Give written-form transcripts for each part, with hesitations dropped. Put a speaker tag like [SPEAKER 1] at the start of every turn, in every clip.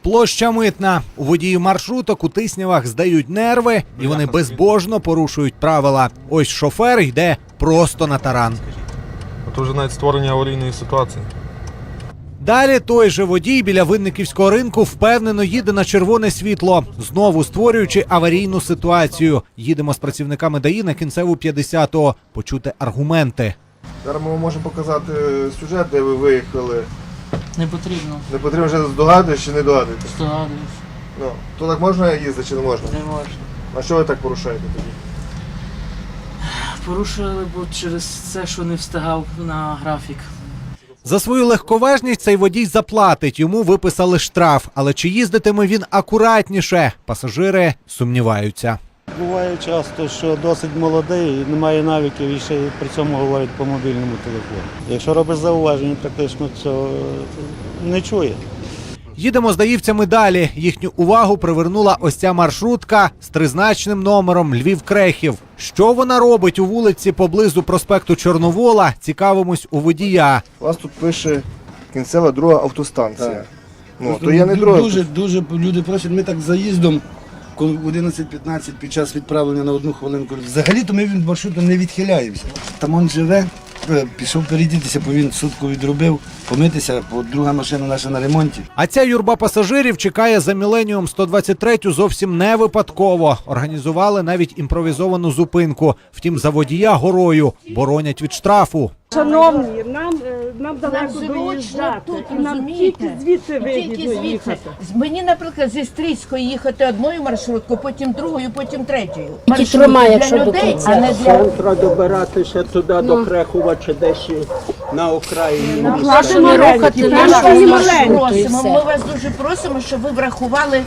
[SPEAKER 1] Площа Митна. У водіїв маршруток у Тиснявах здають нерви і вони безбожно порушують правила. Ось шофер йде просто на таран.
[SPEAKER 2] Це вже навіть створення аварійної ситуації.
[SPEAKER 1] Далі той же водій біля Винниківського ринку впевнено їде на червоне світло, знову створюючи аварійну ситуацію. Їдемо з працівниками ДАІ на кінцеву 50-го, почути аргументи.
[SPEAKER 3] Зараз ми можемо показати сюжет, де ви виїхали.
[SPEAKER 4] Не потрібно.
[SPEAKER 3] Не потрібно вже здогадуєш чи не здогадуєтесь?
[SPEAKER 4] Здогадуюсь.
[SPEAKER 3] Ну, то так можна їздити чи не можна?
[SPEAKER 4] Не можна.
[SPEAKER 3] А що ви так порушаєте тоді?
[SPEAKER 4] Порушили, бо через це, що не встигав на графік.
[SPEAKER 1] За свою легковажність цей водій заплатить, йому виписали штраф. Але чи їздитиме він акуратніше? Пасажири сумніваються.
[SPEAKER 5] Буває часто, що досить молодий, не має навиків і ще й при цьому говорить по мобільному телефону. Якщо робиш зауваження, практично цього не чує.
[SPEAKER 1] Їдемо з даївцями далі. Їхню увагу привернула ось ця маршрутка з тризначним номером Львів-Крехів. Що вона робить у вулиці поблизу проспекту Чорновола, цікавимось у водія.
[SPEAKER 3] У вас тут пише кінцева друга автостанція. Ну, то я не друга.
[SPEAKER 6] Дуже люди просять, ми так заїздом, коли в 11:15 під час відправлення на 1 хвилинку. Взагалі-то ми від маршруту не відхиляємося. Там він живе, пішов передітися, бо він сутку відробив, помитися, бо друга машина наша на ремонті.
[SPEAKER 1] А ця юрба пасажирів чекає за Міленіум 123 зовсім не випадково. Організували навіть імпровізовану зупинку. Втім, за водія горою боронять від штрафу.
[SPEAKER 7] Шановні, нам далеко доїжджати,
[SPEAKER 8] тут,
[SPEAKER 7] і нам тільки звідси вигідно їхати.
[SPEAKER 8] Мені, наприклад, зі Стрийської їхати одною маршруткою, потім другою, потім третьою.
[SPEAKER 7] Тільки тримає, якщо
[SPEAKER 8] для
[SPEAKER 7] до
[SPEAKER 8] людей,
[SPEAKER 7] кінця.
[SPEAKER 8] а не для...
[SPEAKER 9] Треба добиратися туди до Крехова чи десь на окраїні.
[SPEAKER 7] Платимо рухати наші маленькі.
[SPEAKER 8] Ми вас дуже просимо, щоб ви врахували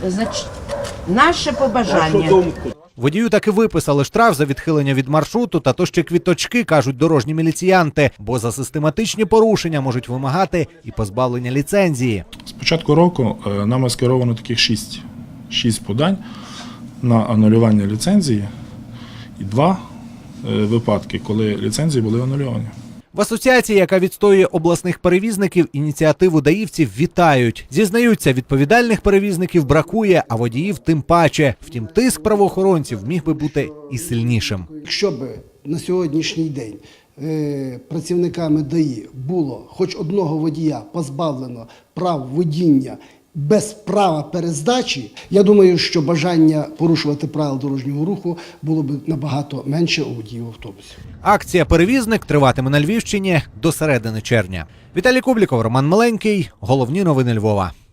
[SPEAKER 8] наше побажання.
[SPEAKER 9] Нашу думку.
[SPEAKER 1] Водію таки виписали штраф за відхилення від маршруту, та то ще квіточки, кажуть дорожні міліціянти, бо за систематичні порушення можуть вимагати і позбавлення ліцензії.
[SPEAKER 10] З початку року нами скеровано таких 6 подань на анулювання ліцензії і 2 випадки, коли ліцензії були анульовані.
[SPEAKER 1] В асоціації, яка відстоює обласних перевізників, ініціативу даївців вітають. Зізнаються, відповідальних перевізників бракує, а водіїв тим паче. Втім, тиск правоохоронців міг би бути і сильнішим.
[SPEAKER 6] Якщо б на сьогоднішній день працівниками ДАІ було хоч одного водія позбавлено прав водіння без права перездачі, я думаю, що бажання порушувати правила дорожнього руху було б набагато менше у водіїв автобусів.
[SPEAKER 1] Акція «Перевізник» триватиме на Львівщині до середини червня. Віталій Кубліков, Роман Миленький. Головні новини Львова.